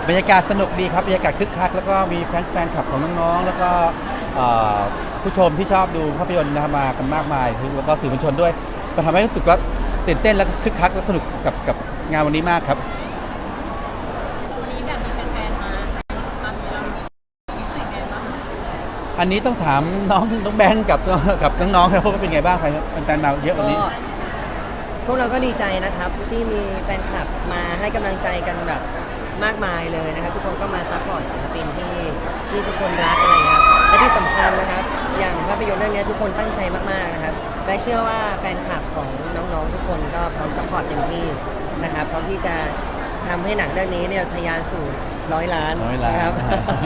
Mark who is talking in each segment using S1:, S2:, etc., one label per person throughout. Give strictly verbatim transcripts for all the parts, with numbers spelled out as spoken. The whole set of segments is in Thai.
S1: บรรยากาศสนุกดีครับบรรยากาศคึกคักแล้วก็มีแฟนแฟนคลับของน้องๆแล้วก็ผู้ชมที่ชอบดูภาพยนตร์นะมากันมากมายแล้วก็สื่อมวลชนด้วยก็ทำให้รู้สึกว่าตื่นเต้นและคึกคักและสนุกกับกับงานวันนี้มากครับ
S2: วันนี้แบบมีแฟนๆมาตามเรารู้สึกไงบ้าง
S1: อันนี้ต้องถามน้องน้องแบงค์กับกับน้องๆครับว่าเป็นไงบ้างครับแฟนๆมาเยอะวันนี้
S3: พวกเราก็ดีใจนะครับที่มีแฟนคลับมาให้กำลังใจกันแบบมากมายเลยนะครับทุกคนก็มาซัพพอร์ตศิลปินที่ที่ทุกคนรักอะไรครับและที่สำคัญนะครับอย่างภาพยนตร์เรื่องนี้ทุกคนตั้งใจมากๆนะครับและเชื่อว่าแฟนคลับของน้องๆทุกคนก็พร้อมซัพพอร์ตเต็มที่นะครับพร้อมที่จะทำให้หนังเรื่องนี้เนี่ยทะยานสู่ร้อยล้านนะครับ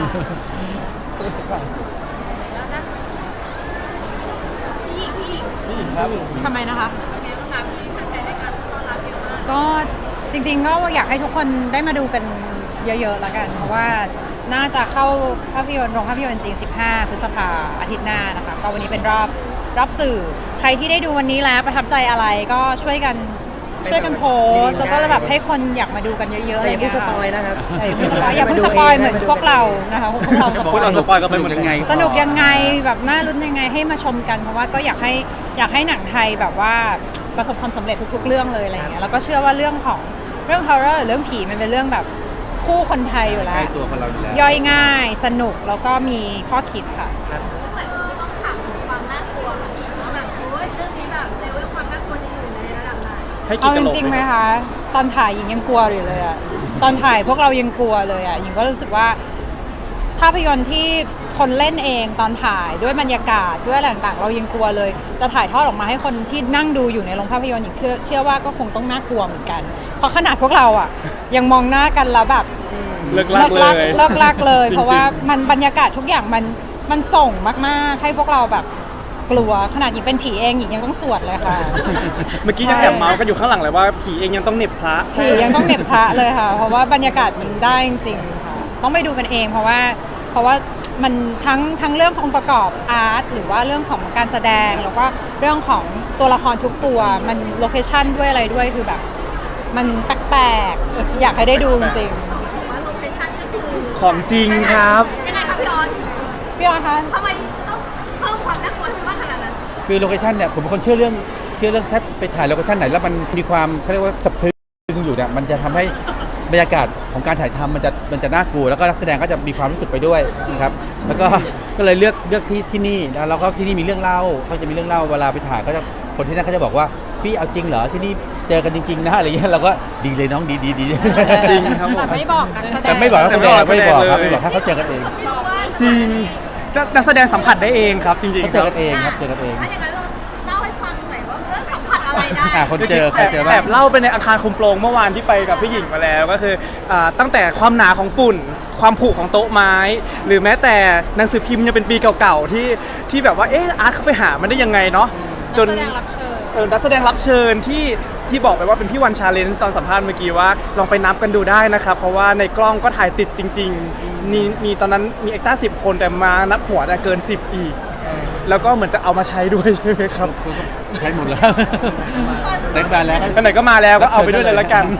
S2: พี่หญิงพี่หญิง
S1: พี่หญิงครับ
S4: ทำไมนะคะ
S2: เป็นไงบ้างคะพี่แฟนๆได้การต้อนรับเยอะมาก
S4: ก็จริงๆก็อยากให้ทุกคนได้มาดูกันเยอะๆแล้วกันเพราะว่าน่าจะเข้าภาพยนตร์โรงภาพยนตร์จริงสิบห้าพฤษภาอาทิตย์หน้านะคะก็วันนี้เป็นรอบรอบสื่อใครที่ได้ดูวันนี้แล้วประทับใจอะไรก็ช่วยกันช่วยกันโพสแล้วก็แบบให้คนอยากมาดูกันเยอะๆอะไร
S3: อย่าเพิ่งสปอยนะครับ
S4: อย่าเพิ่งสปอยเหมือนพวกเรานะคะพวกเรา
S1: พวกเราสปอยก็เป็นยังไง
S4: สนุกยังไงแบบน่าลุ้นยังไงให้มาชมกันเพราะว่าก็อยากให้อยากให้หนังไทยแบบว่าประสบความสำเร็จทุกๆเรื่องเลยอะไรอย่างเงี้ยแล้วก็เชื่อว่าเรื่องของเรื่อง horror เรื่องผีมันเป็นเรื่องแบบคู่คนไทยอยู่แล้ว
S1: ใกล้ตัวคนเราอยู่แล้ว
S4: ย่อยง่ายสนุกแล้วก็มีข้อคิดค่ะ
S2: แต่ต้องถามถึงความน่ากลัวค่ะพี่ว่าแบบโอ้ยเรื่องนี้แบบเลเวลความน่ากลัวจะอยู่ในระดับไหน
S4: เอาจริงๆไหมคะตอนถ่ายหญิงยังกลัวอยู่เลยอะตอนถ่ายพวกเรายังกลัวเลยอะหญิงก็รู้สึกว่าภาพยนตร์ที่คนเล่นเองตอนถ่ายด้วยบรรยากาศด้วยอะไรต่างๆเรายังกลัวเลยจะถ่ายทอดออกมาให้คนที่นั่งดูอยู่ในโรงภาพยนตร์หญิงเชื่อว่าก็คงต้องน่ากลัวเหมือนกันเพราะขนาดพวกเราอะยังมองหน้ากันแล้วแบบ
S1: เลิกลักเลย
S4: เลิกลักเลยเพราะว่ามันบรรยากาศทุกอย่างมันมันส่งมากๆให้พวกเราแบบกลัวขนาดหญิงเป็นผีเองหญิงยังต้องสวดเลยค่ะ
S5: เมื่อกี้ยังแอบเมาส์กันอยู่ข้างหลังเลยว่าผีเองยังต้องเหน็บพระ
S4: ผียังต้องเหน็บพระเลยค่ะเพราะว่าบรรยากาศมันได้จริงๆค่ะต้องไปดูกันเองเพราะว่าเพราะว่ามันทั้งทั้งเรื่องของประกอบอาร์ตหรือว่าเรื่องของการแสดงแล้วก็เรื่องของตัวละครทุกตัวมันโลเคชั่นด้วยอะไรด้วยคือแบบมันแปลกๆอยากให้ได้ดูจริง
S2: ๆว่าโลเคชั่นก็คือ
S5: ของจริงครับ
S2: ยังไงครับพี่ออน
S4: พี่ออนคะ
S2: ทำไมต้องเพิ่มความน่ากลัวให้มากขนาดนั้น
S1: คือโลเคชั่นเนี่ยผมเป็นคนเชื่อเรื่องเชื่อเรื่องถ้าไปถ่ายโลเคชั่นไหนแล้วมันมีความเขาเรียกว่าสะพรึงอยู่เนี่ยมันจะทำให้บรรยากาศของการถ่ายทำมันจะมันจะน่ากลัวแล้วก็นักแสดงก็จะมีความรู้สึกไปด้วยนะครับแล้วก็ก็เลยเลือกเลือกที่ที่นี่แล้วก็ที่นี่มีเรื่องเล่าเขาจะมีเรื่องเล่าเวลาไปถ่ายก็จะคนที่นั่นเขาจะบอกว่าพี่เอาจริงเหรอที่นี่เจอกันจริงๆนะอะไรเงี้ยเราก็ดีเลยน้องดีดีดี
S5: จริงครับ
S4: แต่ไม่บอกนักแสดง
S1: แต่ไม่บอกนักแสดงไม่บอกครับไม่บอกให้เขาเจอกันเอง
S5: จริงนักแสดงสัมผัสได้เองครับจริงๆ
S1: เขาเจอกันเองครับเจอกันเอง
S2: ถ้าอย่างนั้นเราเล่าให้ฟังหน่อยว่าเออสัมผัสอะไรได้
S1: คนเจอใครเจอบ้าง
S5: แบบเล่าไปในอาคารคุมโปรงเมื่อวานที่ไปกับพี่หญิงมาแล้วก็คือตั้งแต่ความหนาของฝุ่นความผุของโต๊ะไม้หรือแม้แต่หนังสือพิมพ์ยังเป็นปีเก่าๆที่ที่แบบว่าเอออาร์ตเขาไปหามันได้ยังไงเนาะจนเออนักแสดงรับเชิญที่ที่บอกไปว่าเป็นพี่วันชาเลนจ์ตอนสัมภาษณ์เมื่อกี้ว่าลองไปนับกันดูได้นะครับเพราะว่าในกล้องก็ถ่ายติดจริงๆมีมีตอนนั้นมีเอ็กต้าสิบคนแต่มานับหัวเกินสิบอีกแล้วก็เหมือนจะเอามาใช้ด้วยใช่ไหมครับ
S1: ใช้หมดแล้วเต็มบ้านแล้ว
S5: ไหนก็มาแล้วก็เอาไปด้วยเลยละกัน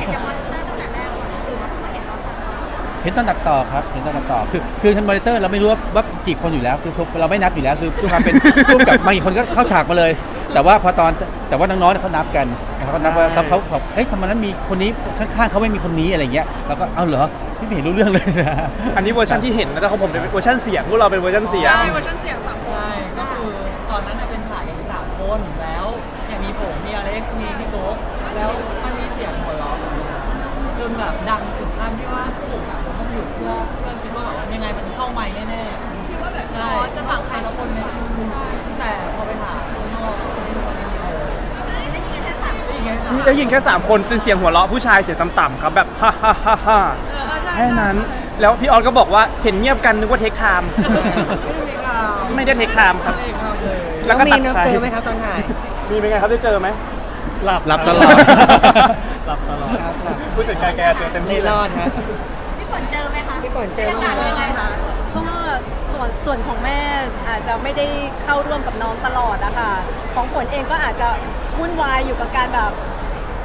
S1: เห็นตอนตัดต่อครับเห็นตอนตัดต่อคือคือทางมอนิเตอร์เราไม่รู้ว่าว่ากี่คนอยู่แล้วคือเราไม่นับอยู่แล้วคือทุกความเป็นร่วมกับบางคนก็เข้าฉากมาเลยแต่ว่าพอตอนแต่ว่าน้องๆเขานับกันเขานับว่าเขาเขาเฮ้ยทำไมนั้นมีคนนี้ข้างๆเขาไม่มีคนนี้อะไรเงี้ยแล้วก็เอาเหรอพี่ไม่เห็นรู้เรื่องเลยนะ
S5: อันนี้เวอร์ชันที่เห็นแล้วของผมเป็นเวอร์ชันเสียงพวกเราเป็นเวอร์ชันเสียง
S2: ใช่เวอร์ชันเสียงสามคน
S3: ใช่ก็คือตอนนั้นเป็นถ่ายกันสามคนแล้วอย่างมีผมมีอเล็กซ์มีพี่โต๊ะแล้วมันมีเสียงหัวเราะจนแบบดังถึงขั้นที่ว่าผมอะผมต้องหยุดเพื่อเพื่อคิดว่าแบบยังไงมันเข้าไมค์แน่ๆ
S2: คิดว่าแบบ
S3: ใช่
S2: จะสั่งใคร
S3: ทุกคนเนี่ยแต่พอไปถ่ายข้างนอก
S2: ได้ยินแค่สาม
S5: ได้ยินแค่สามคนเป็นเสียงหัวเราะผู้ชายเสียงต่ำๆครับแบบฮ่าฮ่าฮ่าฮ่าแค่นั้นแล้วพี่ออนก็บอกว่าเห็นเงียบกันนึกว่าเทคไทม์ไม่ได้เทคไทม์ครับ
S3: แล้วก็ตัดเจอไหมครับตอนถ่าย
S5: มีเป็นไงครับได้เจอไหม
S1: หลับหลับตลอด
S5: หลับตลอดผู้จัดการแกเจอเต็มที่
S3: รอดครับ
S2: พี่ฝนเจอไหมคะ
S3: พี่ฝนเจอ
S2: ไหมยังไงคะ
S6: ก็ส่วนของแม่อาจจะไม่ได้เข้าร่วมกับน้องตลอดอะค่ะของฝนเองก็อาจจะวุ่นวายอยู่กับการแบบ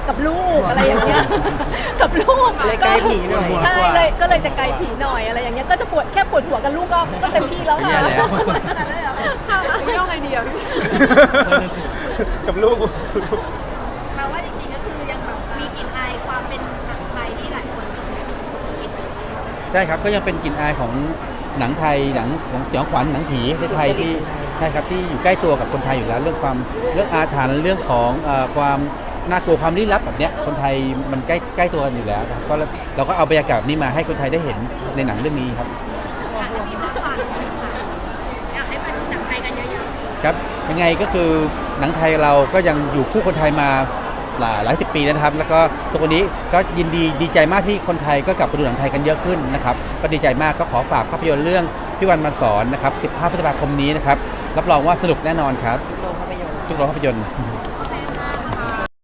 S6: กับลูกอะไรอย่างเงี้ย กับลูก
S3: เลยไกลผีหน่อย
S6: ใช่เลยก็เลยจะไกลผีหน่อยอะไรอย่างเงี้ยก็จะปวดแค่ปวดหัวกับลูกก็ก็เต็มที่แล้วค่ะ
S1: แย่แล้ว
S6: ค่ะเรื่องไงดีอ่ะพี่
S5: กับลูก
S2: แปลว่าจริงๆก็คือยังแบบมีกลิ่นอายความเป็นหนังไทยที่หลายคนคิดถึง
S1: ใช่ครับก็ยังเป็นกลิ่นอายของหนังไทยหนังหนังสยองขวัญหนังผีในไทยที่ใช่ครับที่อยู่ใกล้ตัวกับคนไทยอยู่แล้วเรื่องความเรื่องอาถรรพ์เรื่องของเอ่อความน่ากลัวความลี้ลับแบบเนี้ยคนไทยมันใกล้ใกล้ตัวกันอยู่แล้วครับก็เราก็เอาบรรยากาศนี้มาให้คนไทยได้เห็นในหนังเรื่องนี้ครับ
S2: อยากให้มีมากกว่านี้ค่ะอยากให้มาดูหนังไทยกันเยอะๆ
S1: ครับยังไงก็คือหนังไทยเราก็ยังอยู่คู่คนไทยมาหลายหลายสิบปีแล้วนะครับ แล้วก็ทุกวันนี้ก็ยินดีดีใจมากที่คนไทยก็กลับไปดูหนังไทยกันเยอะขึ้นนะครับก็ดีใจมากก็ขอฝากภาพยนตร์เรื่องพี่วันมาสอนนะครับสิบห้าพฤษภาคมนี้นะครับรับรองว่าสนุกแน่นอนครับ
S3: โรงภาพยนตร์
S1: ทุกโรงภาพยนตร์
S2: ข